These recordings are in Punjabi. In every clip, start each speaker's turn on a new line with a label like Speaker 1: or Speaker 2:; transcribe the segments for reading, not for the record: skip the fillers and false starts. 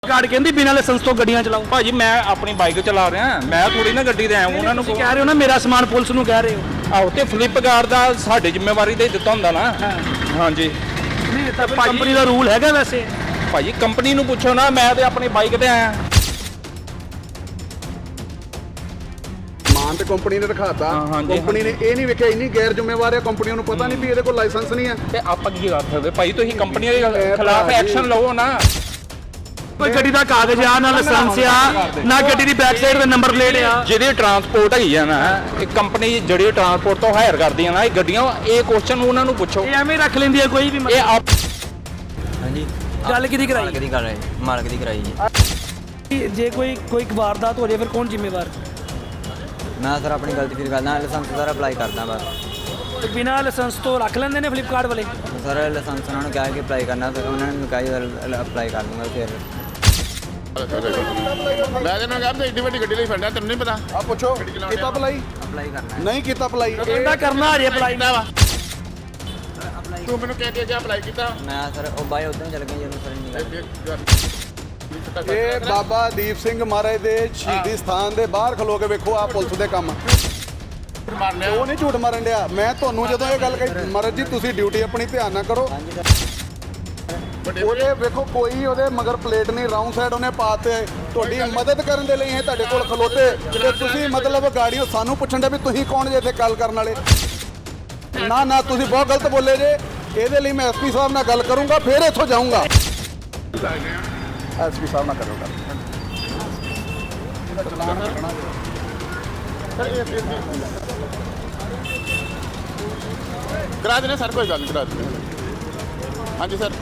Speaker 1: ਕਾਰਡ ਕਹਿੰਦੀ ਬਿਨਾਂ ਲਾਇਸੈਂਸ ਤੋਂ ਗੱਡੀਆਂ ਚਲਾਓ।
Speaker 2: ਭਾਜੀ ਮੈਂ ਆਪਣੀ ਬਾਈਕ ਚਲਾ ਰਿਹਾ, ਮੈਂ ਥੋੜੀ ਨਾ ਗੱਡੀ ਤੇ ਆਇਆ ਉਹਨਾਂ ਨੂੰ
Speaker 1: ਤੁਸੀਂ ਕਹਿ ਰਹੇ ਹੋ ਨਾ ਮੇਰਾ ਸਮਾਨ ਪੁਲਿਸ ਨੂੰ ਕਹਿ ਰਹੇ ਹੋ।
Speaker 2: ਆਹੋ ਤੇ ਫਲਿੱਪਕਾਰਟ ਦਾ ਸਾਡੀ ਜ਼ਿੰਮੇਵਾਰੀ ਤੇ ਦਿੱਤਾ ਹੁੰਦਾ ਨਾ। ਹਾਂਜੀ
Speaker 1: ਨਹੀਂ ਤਾਂ ਕੰਪਨੀ ਦਾ ਰੂਲ ਹੈਗਾ ਵੈਸੇ।
Speaker 2: ਭਾਜੀ ਕੰਪਨੀ ਨੂੰ ਪੁੱਛੋ ਨਾ, ਮੈਂ ਤੇ ਆਪਣੀ ਬਾਈਕ ਤੇ ਆਇਆ।
Speaker 3: ਮਾਨ ਤੇ ਕੰਪਨੀ ਨੇ ਰਖਾਤਾ, ਕੰਪਨੀ ਨੇ ਇਹ ਨਹੀਂ ਵੇਖਿਆ ਇੰਨੀ ਗੈਰ ਜ਼ਿੰਮੇਵਾਰ ਹੈ ਕੰਪਨੀ ਨੂੰ ਪਤਾ ਨਹੀਂ ਵੀ ਇਹਦੇ ਕੋਲ ਲਾਇਸੈਂਸ ਨਹੀਂ ਹੈ।
Speaker 2: ਤੇ ਆਪਾਂ ਕੀ ਕਰ ਸਕਦੇ ਭਾਈ, ਤੁਸੀਂ ਕੰਪਨੀ ਦੇ ਖਿਲਾਫ ਐਕਸ਼ਨ ਲਵੋ ਨਾ।
Speaker 1: ਕੋਈ ਗੱਡੀ ਦਾ ਕਾਗਜ਼ ਆ ਨਾ ਲਾਇਸੈਂਸ ਆ ਨਾ ਗੱਡੀ ਦੀ ਬੈਕ ਸਾਈਡ ਤੇ ਨੰਬਰ ਪਲੇਟ ਆ।
Speaker 2: ਜਿਹਦੀ ਟਰਾਂਸਪੋਰਟ ਹੈਗੀ ਆ ਨਾ, ਇਹ ਕੰਪਨੀ ਜਿਹੜੀ ਟਰਾਂਸਪੋਰਟ ਤੋਂ ਹਾਇਰ ਕਰਦੀਆਂ ਨਾ ਇਹ ਗੱਡੀਆਂ, ਇਹ ਕੁਐਸਚਨ ਉਹਨਾਂ ਨੂੰ ਪੁੱਛੋ।
Speaker 1: ਇਹ ਐਵੇਂ ਰੱਖ ਲੈਂਦੀ ਆ ਕੋਈ ਵੀ
Speaker 2: ਇਹ ਆਪ
Speaker 4: ਹਾਂਜੀ
Speaker 1: ਗੱਲ ਕਿਹਦੀ ਕਰਾਈ?
Speaker 4: ਮਾਲਕ ਦੀ ਕਰ ਰਹੇ, ਮਾਲਕ ਦੀ ਕਰਾਈ ਜੀ।
Speaker 1: ਜੇ ਕੋਈ ਵਾਰਦਾਤ ਹੋ ਜਾਏ ਫਿਰ ਕੌਣ ਜ਼ਿੰਮੇਵਾਰ?
Speaker 4: ਮੈਂ ਸਰ ਆਪਣੀ ਗਲਤੀ ਫਿਰ ਕਰਦਾ, ਲਾਇਸੈਂਸ ਸਾਰਾ ਅਪਲਾਈ ਕਰਦਾ ਬਸ।
Speaker 1: ਬਿਨਾਂ ਲਾਇਸੈਂਸ ਤੋਂ ਰੱਖ ਲੈਂਦੇ ਨੇ ਫਲਿੱਪਕਾਰਟ ਵਾਲੇ।
Speaker 4: ਸਰ ਲਾਇਸੈਂਸ ਉਹਨਾਂ ਨੂੰ ਕਿਹਾ ਕਿ ਅਪਲਾਈ ਕਰਨਾ, ਫਿਰ ਉਹਨਾਂ ਨੇ ਕਿਹਾ ਅਪਲਾਈ ਕਰ ਦੂੰਗਾ। ਫਿਰ
Speaker 5: ਮੈਂ ਤੈਨੂੰ ਕਿਹਾ ਵੀ ਏਡੀ ਵੱਡੀ ਗੱਡੀ ਲਈ ਫੜਿਆ, ਤੈਨੂੰ ਨਹੀਂ ਪਤਾ?
Speaker 3: ਆ ਪੁੱਛੋ ਕੀਤਾ ਅਪਲਾਈ?
Speaker 4: ਅਪਲਾਈ ਕਰਨਾ
Speaker 3: ਨਹੀਂ ਕੀਤਾ ਅਪਲਾਈ।
Speaker 1: ਕਹਿੰਦਾ ਕਰਨਾ ਹਜੇ ਅਪਲਾਈ ਨਾ ਵਾ।
Speaker 5: ਤੂੰ ਮੈਨੂੰ ਕਹਿ ਕੇ ਅਪਲਾਈ ਕੀਤਾ।
Speaker 4: ਮੈਂ ਸਰ ਉਹ ਬਾਈ ਉਦੋਂ ਚੱਲ ਗਏ ਜਿਹਨੂੰ ਸਰ ਨਹੀਂ
Speaker 3: ਇਹ ਬਾਬਾ ਦੀਪ ਸਿੰਘ ਮਹਾਰਾਜ ਦੇ ਸ਼ਹੀਦੀ ਸਥਾਨ ਦੇ ਬਾਹਰ ਖਲੋ ਕੇ ਵੇਖੋ ਆ ਪੁਲਿਸ ਦੇ ਕੰਮ।
Speaker 5: ਮਾਰ ਲਿਆ
Speaker 3: ਉਹ ਨਹੀਂ ਝੂਠ ਮਾਰਨ ਡਿਆ। ਮੈਂ ਤੁਹਾਨੂੰ ਜਦੋਂ ਇਹ ਗੱਲ ਕਹੀ ਮਹਾਰਾਜ ਜੀ ਤੁਸੀਂ ਡਿਊਟੀ ਆਪਣੀ ਧਿਆਨ ਨਾਲ ਕਰੋ। ਉਹਦੇ ਵੇਖੋ ਕੋਈ ਉਹਦੇ ਮਗਰ ਪਲੇਟ ਨਹੀਂ, ਰਾਉਂਡ ਸਾਈਡ ਉਹਨੇ ਪਾਤੇ। ਤੁਹਾਡੀ ਮਦਦ ਕਰਨ ਦੇ ਲਈ ਇਹ ਤੁਹਾਡੇ ਕੋਲ ਖਲੋਤੇ ਤੇ ਤੁਸੀਂ ਮਤਲਬ ਗਾੜੀਓ ਸਾਨੂੰ ਪੁੱਛਣ ਦੇ ਵੀ ਤੁਸੀਂ ਕੌਣ ਜੇ ਇੱਥੇ ਗੱਲ ਕਰਨ ਵਾਲੇ। ਨਾ ਤੁਸੀਂ ਬਹੁਤ ਗਲਤ ਬੋਲੇ ਜੇ। ਇਹਦੇ ਲਈ ਮੈਂ ਐਸਪੀ ਸਾਹਿਬ ਨਾਲ ਗੱਲ ਕਰੂੰਗਾ, ਫਿਰ ਇੱਥੋਂ ਜਾਊਂਗਾ। ਐਸਪੀ ਸਾਹਿਬ ਨਾਲ ਕਰੋ ਗੱਲ।
Speaker 5: ਕਰਾ ਦੇਣੇ ਸਰ, ਕੋਈ ਗੱਲ ਨਹੀਂ, ਕਰਾ ਦੇਣੇ। ਹਾਂਜੀ ਸਰ।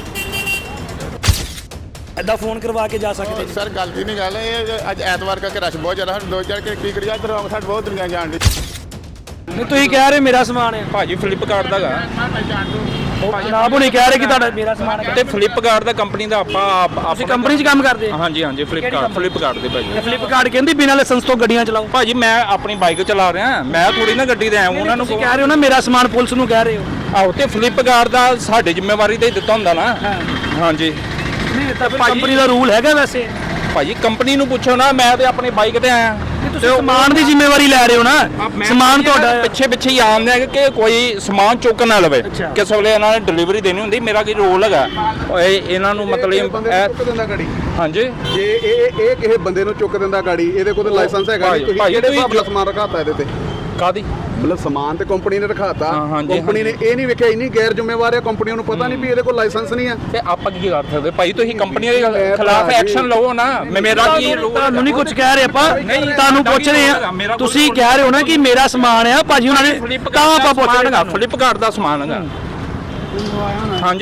Speaker 1: ਐਦਾਂ ਫੋਨ ਕਰਵਾ ਕੇ ਜਾ ਸਕਦੇ ਜੀ।
Speaker 5: ਸਰ ਗੱਲ ਦੀ ਨਹੀਂ ਗੱਲ, ਇਹ ਅੱਜ ਐਤਵਾਰ ਕਰਕੇ ਰਸ਼ ਬਹੁਤ ਜ਼ਿਆਦਾ, ਸਾਨੂੰ 2000 ਕੇ ਕੀ ਕਰੀਏ, ਇੱਧਰ ਰੌਂਗ ਸਾਈਡ ਬਹੁਤ ਦੁਨੀਆ ਜਾਣ ਦੀ।
Speaker 1: ਨਹੀਂ ਤੁਸੀਂ ਕਹਿ ਰਹੇ ਮੇਰਾ ਸਮਾਨ ਹੈ।
Speaker 2: ਭਾਜੀ ਫਲਿੱਪਕਾਰਟ ਦਾ ਗਾ
Speaker 1: ਜਨਾਬ ਹੁਣੀ ਕਹਿ ਰਹੇ ਕਿ ਤੁਹਾਡਾ ਮੇਰਾ ਸਮਾਨ ਹੈ।
Speaker 2: ਤੇ ਫਲਿੱਪਕਾਰਟ ਦਾ ਕੰਪਨੀ ਦਾ ਆਪਾਂ
Speaker 1: ਤੁਸੀਂ ਕੰਪਨੀ 'ਚ ਕੰਮ ਕਰਦੇ?
Speaker 2: ਹਾਂਜੀ ਫਲਿੱਪਕਾਰਟ ਦੇ ਭਾਜੀ।
Speaker 1: ਫਲਿੱਪਕਾਰਟ ਕਹਿੰਦੀ ਬਿਨਾਂ ਲਾਇਸੈਂਸ ਤੋਂ ਗੱਡੀਆਂ ਚਲਾਓ।
Speaker 2: ਭਾਜੀ ਮੈਂ ਆਪਣੀ ਬਾਈਕ ਚਲਾ ਰਿਹਾ, ਮੈਂ ਥੋੜੀ ਨਾ ਗੱਡੀ ਤੇ ਆਇਆ ਉਹਨਾਂ ਨੂੰ।
Speaker 1: ਤੁਸੀਂ ਕਹਿ ਰਹੇ ਹੋ ਨਾ ਮੇਰਾ ਸਮਾਨ ਪੁਲਿਸ ਨੂੰ ਕਹਿ ਰਹੇ ਹੋ।
Speaker 2: ਆਹੋ ਤੇ ਫਲਿੱਪਕਾਰਟ ਦਾ ਸਾਡੀ ਜ਼ਿੰਮੇਵਾਰੀ ਤੇ ਦਿੱਤਾ ਹੁੰਦਾ ਨਾ। ਹਾਂਜੀ
Speaker 1: ਨਹੀਂ ਤਾਂ ਕੰਪਨੀ ਦਾ ਰੂਲ ਹੈਗਾ ਵੈਸੇ।
Speaker 2: ਭਾਜੀ ਕੰਪਨੀ ਨੂੰ ਪੁੱਛੋ ਨਾ, ਮੈਂ ਤੇ ਆਪਣੀ ਬਾਈਕ ਤੇ ਆਇਆ।
Speaker 1: ਤੁਸੀਂ ਸਮਾਨ ਦੀ ਜ਼ਿੰਮੇਵਾਰੀ ਲੈ ਰਹੇ ਹੋ ਨਾ, ਸਮਾਨ ਤੁਹਾਡਾ ਹੈ।
Speaker 2: ਪਿੱਛੇ ਹੀ ਆਉਂਦੇ ਆ ਕਿ ਕੋਈ ਸਮਾਨ ਚੁੱਕ ਨਾ ਲਵੇ। ਕਿਸੇ ਵੇਲੇ ਇਹਨਾਂ ਨੇ ਡਿਲੀਵਰੀ ਦੇਣੀ ਹੁੰਦੀ, ਮੇਰਾ ਕੀ ਰੋਲ ਹੈਗਾ ਇਹਨਾਂ ਨੂੰ ਮਤਲਬ
Speaker 3: ਚੁੱਕ ਦਿੰਦਾ ਗਾੜੀ।
Speaker 2: ਹਾਂਜੀ
Speaker 3: ਜੇ ਇਹ ਕਿਸੇ ਬੰਦੇ ਨੂੰ ਚੁੱਕ ਦਿੰਦਾ ਗਾੜੀ, ਇਹਦੇ ਕੋਲ ਲਾਇਸੈਂਸ ਹੈਗਾ ਨਹੀਂ। ਤੁਸੀਂ ਕਿਹੜੇ ਹਿਸਾਬ ਨਾਲ ਸਮਾਨ ਰਖਾਤਾ ਇਹਦੇ ਤੇ?
Speaker 2: ਕਾਦੀ
Speaker 3: ਮਤਲਬ ਸਮਾਨ ਤੇ ਕੰਪਨੀ ਨੇ ਰਖਾਤਾ,
Speaker 2: ਹਾਂਜੀ,
Speaker 3: ਕੰਪਨੀ ਨੇ ਇਹ ਨਹੀਂ ਵੇਖਿਆ ਇੰਨੀ ਗੈਰ ਜ਼ਿੰਮੇਵਾਰ ਹੈ ਕੰਪਨੀ ਨੂੰ ਪਤਾ ਨਹੀਂ ਵੀ ਇਹਦੇ ਕੋਲ ਲਾਇਸੈਂਸ ਨਹੀਂ ਹੈ।
Speaker 2: ਤੇ ਆਪਾਂ ਕੀ ਕਰ ਸਕਦੇ ਭਾਈ, ਤੁਸੀਂ ਕੰਪਨੀ ਦੇ ਖਿਲਾਫ ਐਕਸ਼ਨ ਲਵੋ ਨਾ। ਮੇਰਾ ਕੀ
Speaker 1: ਤੁਹਾਨੂੰ ਨਹੀਂ ਕੁਝ ਕਹਿ ਰਹੇ ਆਪਾਂ, ਤੁਹਾਨੂੰ ਪੁੱਛ ਰਹੇ ਆ। ਤੁਸੀਂ ਕਹਿ ਰਹੇ ਹੋ ਨਾ ਕਿ ਮੇਰਾ ਸਮਾਨ ਆ ਭਾਜੀ, ਉਹਨਾਂ ਨੇ ਤਾਂ ਆਪਾਂ ਪੁੱਛਾਂਗਾ
Speaker 2: ਫਲਿੱਪਕਾਰਟ ਦਾ ਸਮਾਨ ਹੈਗਾ। ਹਾਂਜੀ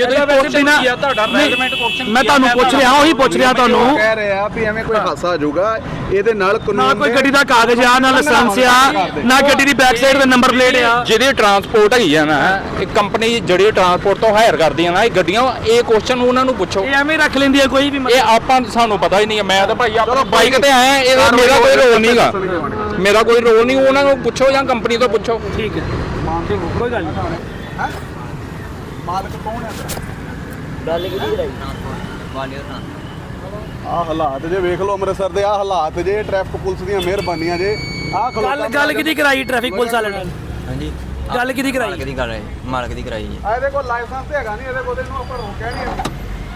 Speaker 1: ਮੈਂ ਤੁਹਾਨੂੰ ਪੁੱਛ ਰਿਹਾ, ਉਹੀ ਪੁੱਛ ਰਿਹਾ ਤੁਹਾਨੂੰ।
Speaker 3: ਕਹਿ ਰਹੇ ਆ ਵੀ ਐਵੇਂ ਕੋਈ ਹਾਦਸਾ ਆ ਜਾਊਗਾ, ਇਹਦੇ ਨਾਲ
Speaker 1: ਨਾ
Speaker 3: ਕਾਨੂੰਨ
Speaker 1: ਕੋਈ ਗੱਡੀ ਦਾ ਕਾਗਜ਼ ਆ ਨਾ ਲਾਇਸੈਂਸ ਆ ਨਾ ਗੱਡੀ ਦੀ ਬੈਕ ਸਾਈਡ ਤੇ ਨੰਬਰ ਪਲੇਟ ਆ।
Speaker 2: ਜਿਹਦੀ ਟਰਾਂਸਪੋਰਟ ਹੈਗੀ ਆ ਨਾ, ਇਹ ਕੰਪਨੀ ਜਿਹੜੀ ਟਰਾਂਸਪੋਰਟ ਤੋਂ ਹਾਇਰ ਕਰਦੀਆਂ ਨਾ ਇਹ ਗੱਡੀਆਂ, ਇਹ ਕੁਐਸਚਨ ਉਹਨਾਂ ਨੂੰ ਪੁੱਛੋ।
Speaker 1: ਇਹ ਐਵੇਂ ਰੱਖ ਲੈਂਦੀ ਆ ਕੋਈ ਵੀ।
Speaker 2: ਇਹ ਆਪਾਂ ਸਾਨੂੰ ਪਤਾ ਹੀ ਨਹੀਂ ਹੈ। ਮੈਂ ਤਾਂ ਭਾਈ ਆਪਣੀ ਬਾਈਕ ਤੇ ਆਇਆ, ਇਹਦਾ ਮੇਰਾ ਕੋਈ ਰੋਲ ਨਹੀਂਗਾ। ਮੇਰਾ ਕੋਈ ਰੋਲ ਨਹੀਂ, ਉਹਨਾਂ ਨੂੰ ਪੁੱਛੋ ਜਾਂ ਕੰਪਨੀ ਤੋਂ ਪੁੱਛੋ।
Speaker 1: ਠੀਕ ਹੈ, ਕੋਈ ਗੱਲ ਨਹੀਂ।
Speaker 3: ਮਾਲਕ ਕੌਣ ਹੈ?
Speaker 4: ਗੱਲ ਕਿਹਦੀ ਕਰਾਈ? ਵਾਲੀਅਰ ਨਾਲ।
Speaker 3: ਆਹ ਹਾਲਾਤ ਜੇ ਵੇਖ ਲਓ ਅੰਮ੍ਰਿਤਸਰ ਦੇ, ਆਹ ਹਾਲਾਤ ਜੇ ਟ੍ਰੈਫਿਕ ਪੁਲਿਸ ਦੀਆਂ ਮਿਹਰਬਾਨੀਆਂ ਜੇ। ਆਹ
Speaker 1: ਗੱਲ ਕਿਹਦੀ ਕਰਾਈ ਟ੍ਰੈਫਿਕ ਪੁਲਿਸ ਵਾਲੇ ਨਾਲ?
Speaker 4: ਹਾਂਜੀ
Speaker 1: ਗੱਲ ਕਿਹਦੀ ਕਰਾਈ?
Speaker 4: ਮਾਲਕ ਦੀ ਕਰ ਰਹੇ, ਮਾਲਕ ਦੀ ਕਰਾਈ ਜੀ।
Speaker 3: ਇਹਦੇ ਕੋਲ ਲਾਇਸੈਂਸ ਤੇ ਹੈਗਾ ਨਹੀਂ, ਇਹਦੇ ਕੋਲ ਇਹਨੂੰ ਆਪਾਂ ਰੋਕਿਆ ਨਹੀਂ।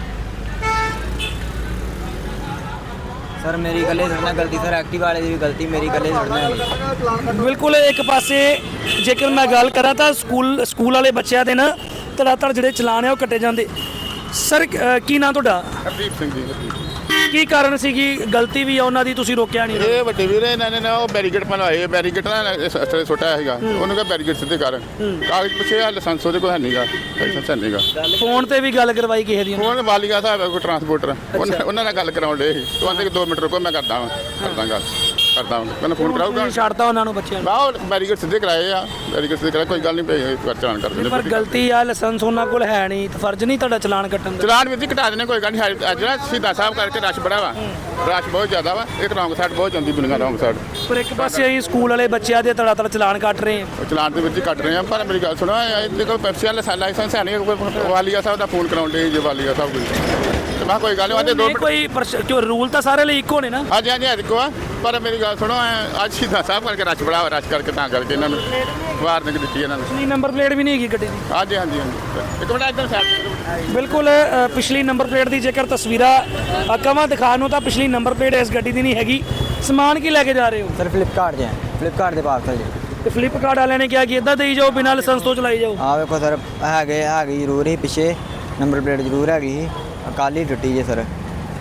Speaker 4: ਸਰ ਮੇਰੀ ਗੱਲੇ ਸੁਣਨਾ ਗਲਤੀ, ਸਰ ਐਕਟਿਵ ਵਾਲੇ ਦੀ ਵੀ ਗਲਤੀ, ਮੇਰੀ ਗੱਲੇ ਸੁਣਨਾ।
Speaker 1: ਬਿਲਕੁਲ ਇੱਕ ਪਾਸੇ ਜੇਕਰ ਮੈਂ ਗੱਲ ਕਰਾਂ ਤਾਂ ਸਕੂਲ ਵਾਲੇ ਬੱਚਿਆਂ ਦੇ ਨਾ ਧੜ ਜਿਹੜੇ ਚਲਾਨ ਆ ਉਹ ਕੱਟੇ ਜਾਂਦੇ। ਸਰ ਕੀ ਨਾਂ ਤੁਹਾਡਾ?
Speaker 5: ਹਰਦੀਪ ਸਿੰਘ ਜੀ।
Speaker 1: ਕੀ ਕਾਰਨ ਸੀ ਕਿ ਗਲਤੀ ਵੀ ਆ ਉਹਨਾਂ ਦੀ, ਤੁਸੀਂ ਰੋਕਿਆ ਨਹੀਂ?
Speaker 5: ਇਹ ਵੱਡੇ ਵੀਰੇ ਇਹਨਾਂ ਨੇ ਨਾ ਉਹ ਬੈਰੀਕੇਡ ਬਣਵਾਏ, ਬੈਰੀਕੇਡ ਨਾ ਛੋਟਾ ਹੈਗਾ, ਉਹਨੂੰ ਕਿਹਾ ਬੈਰੀਕੇਡ ਸਿੱਧੇ ਕਰ। ਕਾਗਜ਼ ਪੁੱਛੇ, ਲਾਇਸੈਂਸ ਉਹਦੇ ਕੋਲ ਹੈ ਨਹੀਂਗਾ, ਲਾਇਸੈਂਸ ਹੈ ਨਹੀਂਗਾ।
Speaker 1: ਫੋਨ ਤੇ ਵੀ ਗੱਲ ਕਰਵਾਈ ਕਿਸੇ ਦੀ?
Speaker 5: ਹੁਣ ਵਾਲੀਆ ਸਾਹਿਬ ਹੈ ਕੋਈ ਟਰਾਂਸਪੋਰਟਰ, ਉਹਨਾਂ ਨਾਲ ਗੱਲ ਕਰਾਉਣ ਦੇ ਸੀ। ਤੂੰ ਆਂਦੇ ਕਿ 2 ਮਿੰਟ ਰੁਕੋ, ਮੈਂ ਕਰਦਾ ਗੱਲ ਮੈਨੂੰ ਫੋਨ ਕਰਾਊਗਾ।
Speaker 1: ਛੱਡਦਾ ਉਹਨਾਂ ਨੂੰ ਬੱਚਿਆਂ ਨੂੰ?
Speaker 5: ਆਹ ਬੈਰੀਕੇਡ ਸਿੱਧੇ ਕਰਾਏ ਆ, ਬੈਰੀਕੇਡ ਸਿੱਧੇ ਕਰਾਏ, ਕੋਈ ਗੱਲ ਨਹੀਂ ਪਈ ਚਲਾਨ ਕਰ ਦਿੰਦੇ।
Speaker 1: ਪਰ ਗਲਤੀ ਆ, ਲਾਇਸੈਂਸ ਉਹਨਾਂ ਕੋਲ ਹੈ ਨਹੀਂ, ਤਾਂ ਫਰਜ਼ ਨਹੀਂ ਤੁਹਾਡਾ ਚਲਾਨ ਕੱਟਣ ਦਾ?
Speaker 5: ਚਲਾਨ ਵੀ ਘਟਾ ਦੇਣੇ, ਕੋਈ ਗੱਲ ਨਹੀਂ। ਅੱਜ ਨਾ ਸ਼ਹੀਦਾਂ ਸਾਹਿਬ ਕਰਕੇ ਰਸ਼ ਬੜਾ ਵਾ, ਰਸ਼ ਬਹੁਤ ਜ਼ਿਆਦਾ ਵਾ। ਇੱਕ ਰੌਂਗ ਸਾਈਡ ਬਹੁਤ ਜਾਂਦੀ ਦੁਨੀਆ, ਰੌਂਗ ਸਾਈਡ।
Speaker 1: ਪਰ ਇੱਕ ਪਾਸੇ ਅਸੀਂ ਸਕੂਲ ਵਾਲੇ ਬੱਚਿਆਂ ਦੇ ਧੜ ਚਲਾਨ ਕੱਟ ਰਹੇ ਹਾਂ।
Speaker 5: ਚਲਾਨ ਦੇ ਵਿੱਚ ਹੀ ਕੱਟ ਰਹੇ ਆ। ਪਰ ਮੇਰੀ ਗੱਲ ਸੁਣੋ, ਇਹਦੇ ਕੋਲ ਪੈਪਸੀ ਵਾਲਾ ਲਾਇਸੈਂਸ ਹੈ ਨਹੀਂ। ਵਾਲੀਆ ਸਾਹਿਬ ਦਾ ਫੋਨ ਕਰਾਉਣ ਦੇ ਜੇ ਵਾਲੀਆ ਸਾਹਿਬ ਕੋਈ ਮੈਂ ਕੋਈ ਗੱਲ ਨਹੀਂ
Speaker 1: ਨਹੀਂ ਕੋਈ ਕਿਉਂ ਰੂਲ ਤਾਂ ਸਾਰੇ ਲਈ ਇੱਕੋ ਨੇ ਨਾ।
Speaker 5: ਹਾਂਜੀ ਹਾਂਜੀ ਦੇਖੋ ਆ ਪਰ ਮੇਰੀ ਗੱਲ ਸੁਣੋ ਅੱਜ ਸ਼ਹੀਦਾਂ ਸਾਹਿਬ ਕਰਕੇ ਰਸ਼ ਬੜਾ ਰਸ਼ ਕਰਕੇ ਤਾਂ ਕਰਕੇ ਇਹਨਾਂ ਨੂੰ ਵਾਰਨਿੰਗ ਦਿੱਤੀ ਇਹਨਾਂ ਨੂੰ।
Speaker 1: ਪਿਛਲੀ ਨੰਬਰ ਪਲੇਟ ਵੀ ਨਹੀਂ ਹੈਗੀ ਗੱਡੀ ਦੀ।
Speaker 5: ਹਾਂਜੀ ਹਾਂਜੀ ਹਾਂਜੀ ਇੱਕ ਮਿੰਟ ਇੱਧਰ ਸਾਈਡ
Speaker 1: ਬਿਲਕੁਲ ਪਿਛਲੀ ਨੰਬਰ ਪਲੇਟ ਦੀ ਜੇਕਰ ਤਸਵੀਰਾਂ ਕਵਾਂ ਦਿਖਾਉਣ ਨੂੰ ਤਾਂ ਪਿਛਲੀ ਨੰਬਰ ਪਲੇਟ ਇਸ ਗੱਡੀ ਦੀ ਨਹੀਂ ਹੈਗੀ। ਸਮਾਨ ਕੀ ਲੈ ਕੇ ਜਾ ਰਹੇ ਹੋ?
Speaker 4: ਸਰ ਫਲਿੱਪਕਾਰਟ ਦੇ ਫਲਿੱਪਕਾਰਟ ਦੇ ਪਾਰਸਲ ਜੀ।
Speaker 1: ਤੇ ਫਲਿੱਪਕਾਰਟ ਵਾਲਿਆਂ ਨੇ ਕਿਹਾ ਕਿ ਇਦਾਂ ਦੇਈ ਜਾਓ ਬਿਨਾਂ ਲਾਇਸੈਂਸ ਤੋਂ ਚਲਾਈ ਜਾਓ।
Speaker 4: ਆ ਵੇਖੋ ਸਰ ਹੈਗੀ ਜ਼ਰੂਰ ਹੀ ਪਿੱਛੇ ਨੰਬਰ ਪਲੇਟ ਜ਼ਰੂਰ ਹੈਗੀ ਸੀ, ਕੱਲ੍ਹ ਹੀ ਟੁੱਟੀ ਜੇ ਸਰ।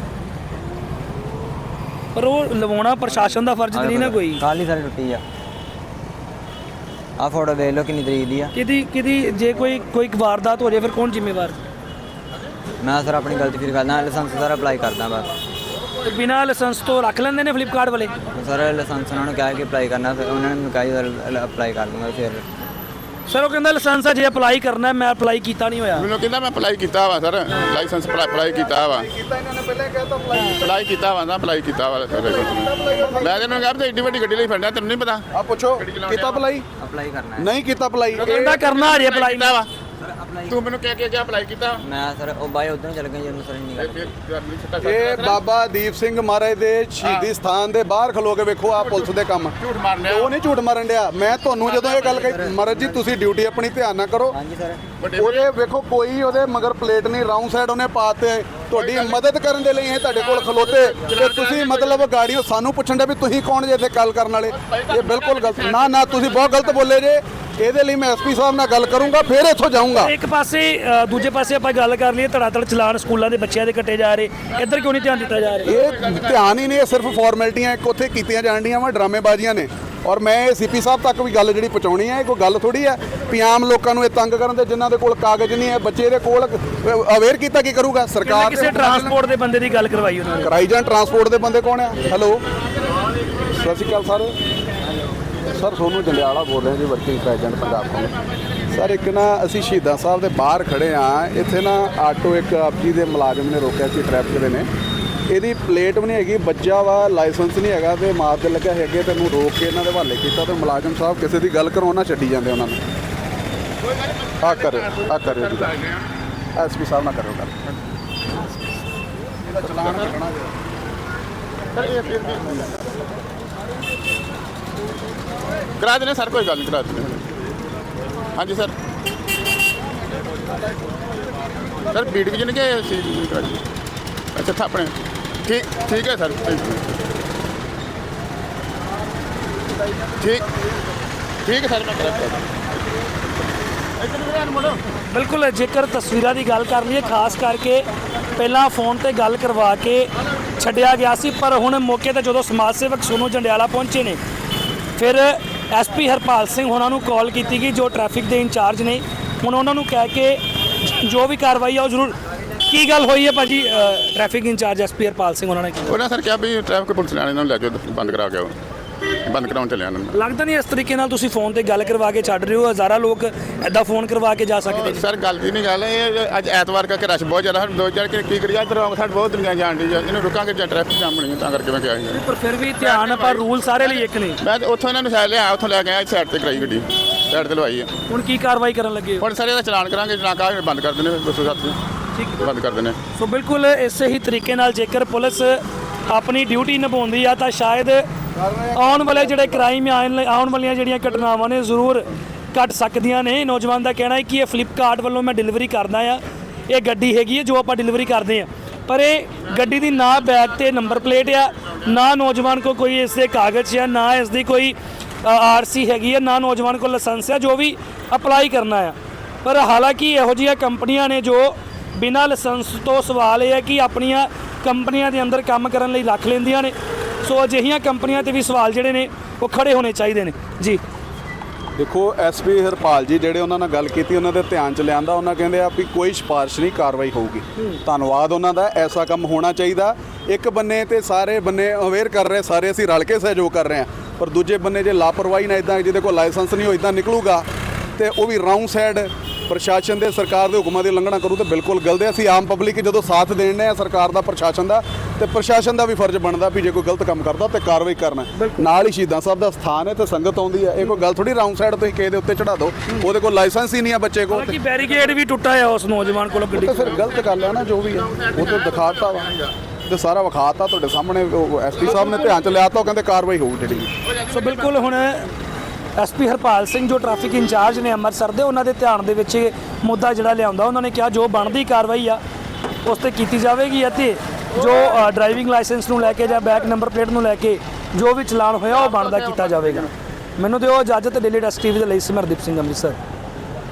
Speaker 1: ਪਰ ਉਹ ਲਵਾਉਣਾ ਪ੍ਰਸ਼ਾਸਨ ਦਾ ਫਰਜ਼ ਨਹੀਂ ਨਾ ਕੋਈ।
Speaker 4: ਕੱਲ੍ਹ ਹੀ ਸਰ ਟੁੱਟੀ ਆ ਫੋਟੋ ਦੇਖ ਲਓ ਕਿੰਨੀ ਤਰੀਕ ਦੀ ਆ।
Speaker 1: ਕਿਹਦੀ ਜੇ ਕੋਈ ਵਾਰਦਾਤ ਹੋ ਜਾਏ ਫਿਰ ਕੌਣ ਜ਼ਿੰਮੇਵਾਰ?
Speaker 4: ਮੈਂ ਸਰ ਆਪਣੀ ਗਲਤੀ ਫਿਰ ਕਰਦਾ, ਲਾਇਸੈਂਸ ਸਰ ਅਪਲਾਈ ਕਰਦਾ ਬਸ।
Speaker 1: ਤੇ ਬਿਨਾਂ ਲਾਇਸੈਂਸ ਤੋਂ ਰੱਖ ਲੈਂਦੇ ਨੇ ਫਲਿੱਪਕਾਰਟ ਵਾਲੇ।
Speaker 4: ਸਰ ਲਾਇਸੈਂਸ ਉਹਨਾਂ ਨੂੰ ਕਿਹਾ ਕਿ ਅਪਲਾਈ ਕਰਨਾ, ਫਿਰ ਉਹਨਾਂ ਨੇ ਮੈਨੂੰ ਕਿਹਾ ਸਰ ਅਪਲਾਈ ਕਰ ਦੂੰਗਾ। ਫਿਰ
Speaker 1: ਸਰ ਉਹ ਕਹਿੰਦਾ ਲਾਇਸੈਂਸ ਆ ਜੇ ਅਪਲਾਈ ਕਰਨਾ, ਮੈਂ ਅਪਲਾਈ ਕੀਤਾ ਨਹੀਂ ਹੋਇਆ।
Speaker 5: ਮੈਨੂੰ ਕਹਿੰਦਾ ਮੈਂ ਅਪਲਾਈ ਕੀਤਾ ਵਾ ਸਰ, ਲਾਇਸੈਂਸ ਅਪਲਾਈ ਕੀਤਾ ਵਾ।
Speaker 3: ਕੀਤਾ ਇਹਨਾਂ ਨੇ ਪਹਿਲਾਂ ਕਹਿਤਾ
Speaker 5: ਅਪਲਾਈ ਕੀਤਾ ਵਾ ਨਾ, ਅਪਲਾਈ ਕੀਤਾ ਵਾ ਸਰ। ਮੈਂ ਤੈਨੂੰ ਕਿਹਾ ਏਡੀ ਵੱਡੀ ਗੱਡੀ ਲਈ ਫਿਰਦਾ, ਤੈਨੂੰ ਨਹੀਂ ਪਤਾ?
Speaker 3: ਆ ਪੁੱਛੋ ਕੀਤਾ ਅਪਲਾਈ?
Speaker 4: ਅਪਲਾਈ ਕਰਨਾ ਹੈ
Speaker 3: ਨਹੀਂ ਕੀਤਾ ਅਪਲਾਈ?
Speaker 1: ਕਹਿੰਦਾ ਕਰਨਾ ਹਜੇ ਅਪਲਾਈ
Speaker 5: ਕੀਤਾ ਵਾ।
Speaker 4: Sir apply.
Speaker 5: ਤੂੰ ਮੈਨੂੰ ਕਹਿ ਕੇ ਗਿਆ ਅਪਲਾਈ ਕੀਤਾ?
Speaker 4: ਮੈਂ ਸਰ ਉਹ ਬਾਈ ਉਧਰ ਚੱਲ ਗਏ ਜਦੋਂ ਸਰ ਨਹੀਂ ਗੱਲ।
Speaker 3: ਇਹ ਬਾਬਾ ਦੀਪ ਸਿੰਘ ਮਹਾਰਾਜ ਦੇ ਸ਼ਹੀਦੀ ਸਥਾਨ ਦੇ ਬਾਹਰ ਖਲੋ ਕੇ ਵੇਖੋ ਆ ਪੁਲਿਸ ਦੇ ਕੰਮ।
Speaker 5: ਝੂਠ ਮਾਰਨੇ
Speaker 3: ਉਹ ਨਹੀਂ ਝੂਠ ਮਾਰਨ ਡਿਆ। ਮੈਂ ਤੁਹਾਨੂੰ ਜਦੋਂ ਇਹ ਗੱਲ ਕਹੀ ਮਹਾਰਾਜ ਜੀ ਤੁਸੀਂ ਡਿਊਟੀ ਆਪਣੀ ਧਿਆਨ ਨਾਲ ਕਰੋ।
Speaker 4: ਹਾਂਜੀ ਸਰ।
Speaker 3: ਉਹਦੇ ਵੇਖੋ ਕੋਈ ਉਹਦੇ ਮਗਰ ਪਲੇਟ ਨਹੀਂ, ਰਾਉਂਡ ਸਾਈਡ ਉਹਨੇ ਪਾਤੇ। ਤੁਹਾਡੀ ਮਦਦ ਕਰਨ ਦੇ ਲਈ ਇਹ ਤੁਹਾਡੇ ਕੋਲ ਖਲੋਤੇ ਤੇ ਤੁਸੀਂ ਮਤਲਬ ਗਾੜੀਓ ਸਾਨੂੰ ਪੁੱਛਣ ਦੇ ਵੀ ਤੁਸੀਂ ਕੌਣ ਜੇ ਇੱਥੇ ਗੱਲ ਕਰਨ ਵਾਲੇ। ਇਹ ਬਿਲਕੁਲ ਗਲਤ। ਨਾ ਤੁਸੀਂ ਬਹੁਤ ਗਲਤ ਬੋਲੇ ਜੇ। ਇਹਦੇ ਲਈ ਮੈਂ ਐਸਪੀ ਸਾਹਿਬ ਨਾਲ ਗੱਲ ਕਰੂੰਗਾ, ਫਿਰ ਇੱਥੋਂ ਜਾਊਂਗਾ।
Speaker 1: ਇੱਕ ਪਾਸੇ ਦੂਜੇ ਪਾਸੇ ਆਪਾਂ ਗੱਲ ਕਰ ਲਈਏ ਧੜਾਧੜ ਚਲਾਨ ਸਕੂਲਾਂ ਦੇ ਬੱਚਿਆਂ ਦੇ ਕੱਟੇ ਜਾ ਰਹੇ, ਇੱਧਰ ਕਿਉਂ ਨਹੀਂ ਧਿਆਨ ਦਿੱਤਾ ਜਾ ਰਿਹਾ?
Speaker 3: ਇਹ ਧਿਆਨ ਹੀ ਨਹੀਂ, ਇਹ ਸਿਰਫ ਫਾਰਮੈਲਿਟੀਆਂ ਇੱਕ ਉੱਥੇ ਕੀਤੀਆਂ ਜਾਣ ਡੀਆਂ ਵਾ, ਡਰਾਮੇਬਾਜ਼ੀਆਂ ਨੇ। ਔਰ ਮੈਂ ਇਹ ਸੀਪੀ ਸਾਹਿਬ ਤੱਕ ਵੀ ਗੱਲ ਜਿਹੜੀ ਪਹੁੰਚਾਉਣੀ ਹੈ, ਇਹ ਕੋਈ ਗੱਲ ਥੋੜੀ ਹੈ ਵੀ ਆਮ ਲੋਕਾਂ ਨੂੰ ਇਹ ਤੰਗ ਕਰਨ ਦੇ ਜਿਨ੍ਹਾਂ ਦੇ ਕੋਲ ਕਾਗਜ਼ ਨਹੀਂ ਹੈ, ਬੱਚੇ ਦੇ ਕੋਲ ਅਵੇਅਰ ਕੀਤਾ ਕੀ ਕਰੂਗਾ ਸਰਕਾਰ?
Speaker 1: ਕਿਸੇ ਟਰਾਂਸਪੋਰਟ ਦੇ ਬੰਦੇ ਦੀ ਗੱਲ ਕਰਵਾਈ ਉਹਨਾਂ ਨੇ।
Speaker 3: ਕਰਾਈ ਜਾਣ। ਟਰਾਂਸਪੋਰਟ ਦੇ ਬੰਦੇ ਕੌਣ ਆ? ਹੈਲੋ ਸਤਿ ਸ਼੍ਰੀ ਅਕਾਲ ਸਰ। ਸਰ ਸੋਨੂੰ ਜੰਡਿਆਲਾ ਬੋਲ ਰਹੇ ਜੀ, working president Punjab Congress. Sir ਇੱਕ ਨਾ ਅਸੀਂ ਸ਼ਹੀਦਾਂ ਸਾਹਿਬ ਦੇ ਬਾਹਰ ਖੜੇ ਆ, ਇੱਥੇ ਨਾ ਆਟੋ ਇੱਕ ਆਪ ਜੀ ਦੇ ਮੁਲਾਜ਼ਮ ਨੇ ਰੋਕਿਆ ਸੀ, ਟ੍ਰੈਫਿਕ ਦੇ ਨੇ। ਇਹਦੀ ਪਲੇਟ ਵੀ ਨਹੀਂ ਹੈਗੀ, ਬੱਜਾ ਵਾ, ਲਾਇਸੈਂਸ ਨਹੀਂ ਹੈਗਾ ਤੇ ਮਾਰ ਤੇ ਲੱਗਾ ਹੈਗੇ, ਤੈਨੂੰ ਰੋਕ ਕੇ ਇਹਨਾਂ ਦੇ ਹਵਾਲੇ ਕੀਤਾ ਤੇ ਮੁਲਾਜ਼ਮ ਸਾਹਿਬ ਕਿਸੇ ਦੀ ਗੱਲ ਕਰੋ ਨਾ ਛੱਡੀ ਜਾਂਦੇ ਉਹਨਾਂ ਨੂੰ। ਆ ਕਰਿਓ ਜੀ, ਐਸਪੀ ਸਾਹਿਬ ਨਾਲ ਕਰੋ ਗੱਲ। ਇਹਦਾ ਚਲਾਨ ਕੱਟਣਾ
Speaker 5: ਕਰਾ ਦੇਣੇ ਸਰ, ਕੋਈ ਗੱਲ ਨਹੀਂ, ਕਰਾ ਦੇਣੇ। ਹਾਂਜੀ ਸਰ। ਸਰ ਬੀਟ ਵਿਜਨ ਕੇ ਸੀ ਕਰਾ ਜੀ। ਅੱਛਾ ਤਾਂ ਆਪਣੇ ਠੀਕ ਹੈ ਸਰ। ਠੀਕ ਹੈ ਸਰ, ਮੈਂ ਕਰਾ
Speaker 1: ਬਿਲਕੁਲ ਜੇਕਰ ਤਸਵੀਰਾਂ ਦੀ ਗੱਲ ਕਰ ਲਈਏ, ਖਾਸ ਕਰਕੇ ਪਹਿਲਾਂ ਫੋਨ ਤੇ ਗੱਲ ਕਰਵਾ ਕੇ ਛੱਡਿਆ ਗਿਆ ਸੀ, ਪਰ ਹੁਣ ਮੌਕੇ ਤੇ ਜਦੋਂ ਸਮਾਜ ਸੇਵਕ ਸੋਨੂੰ ਜੰਡਿਆਲਾ ਪਹੁੰਚੇ ਨੇ, ਫਿਰ ਐਸਪੀ ਹਰਪਾਲ ਸਿੰਘ ਉਹਨਾਂ ਨੂੰ ਕਾਲ ਕੀਤੀ ਗਈ ਜੋ ਟ੍ਰੈਫਿਕ ਦੇ ਇੰਚਾਰਜ ਨੇ। ਹੁਣ ਉਹਨਾਂ ਨੂੰ ਕਹਿ ਕੇ ਜੋ ਵੀ ਕਾਰਵਾਈ ਆ ਉਹ ਜ਼ਰੂਰ। ਕੀ ਗੱਲ ਹੋਈ ਹੈ ਭਾਜੀ? Traffic incharge SP Harpal Singh ਉਹਨਾਂ ਨੇ ਕੀ
Speaker 5: ਉਹਨਾਂ ਸਰ ਕਿਹਾ ਵੀ ਟ੍ਰੈਫਿਕ ਪੁਲਿਸ ਵਾਲਿਆਂ ਨੂੰ ਲੈ ਕੇ ਬੰਦ ਕਰਾ ਕੇ ਬੰਦ ਕਰਾਉਣ ਚੱਲਿਆ ਉਹਨਾਂ ਨੂੰ।
Speaker 1: ਲੱਗਦਾ ਨਹੀਂ ਇਸ ਤਰੀਕੇ ਨਾਲ ਤੁਸੀਂ ਫੋਨ ਤੇ ਗੱਲ ਕਰਵਾ ਕੇ ਛੱਡ ਰਹੇ ਹੋ, ਹਜ਼ਾਰਾਂ ਲੋਕ ਐਦਾਂ ਫੋਨ ਕਰਵਾ ਕੇ ਜਾ ਸਕਦੇ ਨੇ।
Speaker 5: ਸਰ ਗੱਲ ਦੀ ਨਹੀਂ ਗੱਲ, ਇਹ ਅੱਜ ਐਤਵਾਰ ਕਰਕੇ ਰਸ਼ ਬਹੁਤ ਜ਼ਿਆਦਾ, ਦੋ ਚਾਰ ਕੀ ਕਰੀਏ ਇੱਧਰ ਸਾਡੇ ਬਹੁਤ ਦੁਨੀਆ ਜਾਣ ਦੀ ਹੈ, ਇਹਨੂੰ ਰੁਕਾਂਗੇ ਜਾਂ ਟ੍ਰੈਫਿਕ ਜਾਮ ਬਣੀ ਤਾਂ ਕਰਕੇ ਮੈਂ ਕਿਹਾ ਸੀ।
Speaker 1: ਪਰ ਫਿਰ ਵੀ ਧਿਆਨ, ਪਰ ਰੂਲ ਸਾਰੇ ਲਈ ਇੱਕ ਨੇ।
Speaker 5: ਮੈਂ ਉੱਥੋਂ ਇਹਨਾਂ ਨੂੰ ਸਾਈਡ ਲਿਆ, ਉੱਥੋਂ ਲੈ ਕੇ ਆਇਆ, ਸਾਈਡ ਤੇ ਕਰਾਈ ਗੱਡੀ, ਸਾਈਡ ਤੇ ਲਵਾਈ ਹੈ।
Speaker 1: ਹੁਣ ਕੀ ਕਾਰਵਾਈ ਕਰਨ ਲੱਗੇ ਹੋ?
Speaker 5: ਹੁਣ ਸਰ ਇਹਦਾ ਚਲਾਨ ਕਰਾਂਗੇ, ਨਾ ਕਾਹ ਬੰਦ ਕਰ ਦੇਣੇ 207
Speaker 1: ਠੀਕ
Speaker 5: ਬੰਦ ਕਰ ਦੇਣੇ।
Speaker 1: ਸੋ ਬਿਲਕੁਲ ਇਸੇ ਹੀ ਤਰੀਕੇ ਨਾਲ ਜੇਕਰ ਪੁਲਿਸ ਆਪਣੀ ਡਿਊਟੀ ਨਿਭਾਉਂਦੀ ਆ ਤਾਂ ਸ਼ਾਇਦ ਆਉਣ ਵਾਲੇ ਜਿਹੜੇ ਕ੍ਰਾਈਮ ਆਉਣ ਵਾਲੀਆਂ ਜਿਹੜੀਆਂ ਘਟਨਾਵਾਂ ਨੇ ਜ਼ਰੂਰ ਘਟ ਸਕਦੀਆਂ ਨੇ। ਨੌਜਵਾਨ ਦਾ ਕਹਿਣਾ ਹੈ ਕਿ ਇਹ ਫਲਿੱਪਕਾਰਟ ਵੱਲੋਂ ਮੈਂ ਡਿਲੀਵਰੀ ਕਰਦਾ ਆ, ਇਹ ਗੱਡੀ ਹੈਗੀ ਹੈ ਜੋ ਆਪਾਂ ਡਿਲੀਵਰੀ ਕਰਦੇ ਆ, ਪਰ ਇਹ ਗੱਡੀ ਦੀ ਨਾ ਬੈਗ ਤੇ ਨੰਬਰ ਪਲੇਟ ਆ, ਨਾ ਨੌਜਵਾਨ ਕੋ ਕੋਈ ਇਸ ਦੇ ਕਾਗਜ਼ ਆ, ਨਾ ਇਸ ਦੀ ਕੋਈ ਆਰਸੀ ਹੈਗੀ ਹੈ, ਨਾ ਨੌਜਵਾਨ ਕੋਲ ਲਾਇਸੈਂਸ ਆ ਜੋ ਵੀ ਅਪਲਾਈ ਕਰਨਾ ਆ। ਪਰ ਹਾਲਾਂਕਿ ਇਹੋ ਜਿਹੀਆਂ ਕੰਪਨੀਆਂ ਨੇ ਜੋ ਬਿਨਾਂ ਲਾਇਸੈਂਸ ਤੋਂ, ਸਵਾਲ ਇਹ ਹੈ ਕਿ ਆਪਣੀਆਂ ਕੰਪਨੀਆਂ ਦੇ ਅੰਦਰ ਕੰਮ ਕਰਨ ਲਈ ਰੱਖ ਲੈਂਦੀਆਂ ਨੇ। ਸੋ ਅਜਿਹੀਆਂ ਕੰਪਨੀਆਂ ਤੇ ਵੀ ਸਵਾਲ ਜਿਹੜੇ ਨੇ ਉਹ ਖੜੇ ਹੋਣੇ ਚਾਹੀਦੇ ਨੇ ਜੀ।
Speaker 3: ਦੇਖੋ ਐਸਪੀ ਹਰਪਾਲ ਜੀ ਜਿਹੜੇ ਉਹਨਾਂ ਨਾਲ ਗੱਲ ਕੀਤੀ, ਉਹਨਾਂ ਦੇ ਧਿਆਨ ਚ ਲਿਆਂਦਾ, ਉਹਨਾਂ ਕਹਿੰਦੇ ਆ ਵੀ ਕੋਈ ਸਿਫਾਰਿਸ਼ ਨਹੀਂ, ਕਾਰਵਾਈ ਹੋਊਗੀ। ਧੰਨਵਾਦ ਉਹਨਾਂ ਦਾ। ਐਸਾ ਕੰਮ ਹੋਣਾ ਚਾਹੀਦਾ। ਇੱਕ ਬੰਨੇ ਤੇ ਸਾਰੇ ਬੰਨੇ ਅਵੇਅਰ ਕਰ ਰਹੇ, ਸਾਰੇ ਅਸੀਂ ਰਲ ਕੇ ਸਹਿਯੋਗ ਕਰ ਰਹੇ ਹਾਂ, ਪਰ ਦੂਜੇ ਬੰਨੇ ਜੇ ਲਾਪਰਵਾਹੀ ਨਾਲ ਇਦਾਂ ਜਿਹਦੇ ਕੋਲ ਲਾਇਸੈਂਸ ਨਹੀਂ ਹੋ ਇਦਾਂ ਨਿਕਲੂਗਾ ਤੇ ਉਹ ਵੀ ਰਾਉਂਡ ਸਾਈਡ ਪ੍ਰਸ਼ਾਸਨ ਦੇ ਸਰਕਾਰ ਦੇ ਹੁਕਮਾਂ ਦੀ ਉਲੰਘਣਾ ਕਰੂ ਤਾਂ ਬਿਲਕੁਲ ਗਲਤ ਹੈ। ਅਸੀਂ ਆਮ ਪਬਲਿਕ ਜਦੋਂ ਸਾਥ ਦੇਣੇ ਆ ਸਰਕਾਰ ਦਾ ਪ੍ਰਸ਼ਾਸਨ ਦਾ, ਤੇ ਪ੍ਰਸ਼ਾਸਨ ਦਾ ਵੀ ਫਰਜ਼ ਬਣਦਾ ਵੀ ਜੇ ਕੋਈ ਗਲਤ ਕੰਮ ਕਰਦਾ ਤੇ ਕਾਰਵਾਈ ਕਰਨਾ। ਨਾਲ ਹੀ ਸ਼ਹੀਦਾਂ ਸਾਹਿਬ ਦਾ ਸਥਾਨ ਹੈ ਤੇ ਸੰਗਤ ਆਉਂਦੀ ਹੈ, ਇਹ ਕੋਈ ਗੱਲ ਥੋੜੀ ਰਾਉਂਡ ਸਾਈਡ ਤੁਸੀਂ ਕਿਸੇ ਦੇ ਉੱਤੇ ਚੜਾ ਦਿਓ, ਉਹਦੇ ਕੋਲ ਲਾਇਸੈਂਸ ਹੀ ਨਹੀਂ ਆ ਬੱਚੇ ਕੋਲ,
Speaker 1: ਹਾਲਾਂਕਿ ਬੈਰੀਕੇਡ ਵੀ ਟੁੱਟਾ ਹੈ ਉਸ ਨੌਜਵਾਨ ਕੋਲੋਂ ਗੱਡੀ
Speaker 3: ਤੇ ਫਿਰ ਗਲਤ ਗੱਲ ਹੈ ਨਾ ਜੋ ਵੀ ਹੈ ਉਹ ਤੇ ਦਿਖਾਤਾ ਵਾ ਤੇ ਸਾਰਾ ਵਿਖਾਤਾ ਤੁਹਾਡੇ ਸਾਹਮਣੇ। ਐਸਪੀ ਸਾਹਿਬ ਨੇ ਧਿਆਨ ਚ ਲਿਆ ਤਾਂ ਉਹ ਕਹਿੰਦੇ ਕਾਰਵਾਈ ਹੋਊ ਜਿਹੜੀ।
Speaker 1: ਸੋ ਬਿਲਕੁਲ ਹੁਣ ਐਸਪੀ ਹਰਪਾਲ ਸਿੰਘ ਜੋ ਟ੍ਰੈਫਿਕ ਇੰਚਾਰਜ ਨੇ ਅੰਮ੍ਰਿਤਸਰ ਦੇ, ਉਹਨਾਂ ਦੇ ਧਿਆਨ ਦੇ ਵਿੱਚ ਇਹ ਮੁੱਦਾ ਜਿਹੜਾ ਲਿਆਉਂਦਾ, ਉਹਨਾਂ ਨੇ ਕਿਹਾ ਜੋ ਬਣਦੀ ਕਾਰਵਾਈ ਆ ਉਸ ਤੇ ਕੀਤੀ ਜਾਵੇਗੀ ਅਤੇ ਜੋ ਡਰਾਈਵਿੰਗ ਲਾਇਸੈਂਸ ਨੂੰ ਲੈ ਕੇ ਜਾਂ ਬੈਕ ਨੰਬਰ ਪਲੇਟ ਨੂੰ ਲੈ ਕੇ ਜੋ ਵੀ ਚਲਾਨ ਹੋਇਆ ਉਹ ਬਣਦਾ ਕੀਤਾ ਜਾਵੇਗਾ। ਮੈਨੂੰ ਦਿਓ ਇਜਾਜ਼ਤ। ਡੇਲੀ ਡਸਟ ਟੀਵੀ ਦੇ ਲਈ ਸਿਮਰਦੀਪ ਸਿੰਘ, ਅੰਮ੍ਰਿਤਸਰ।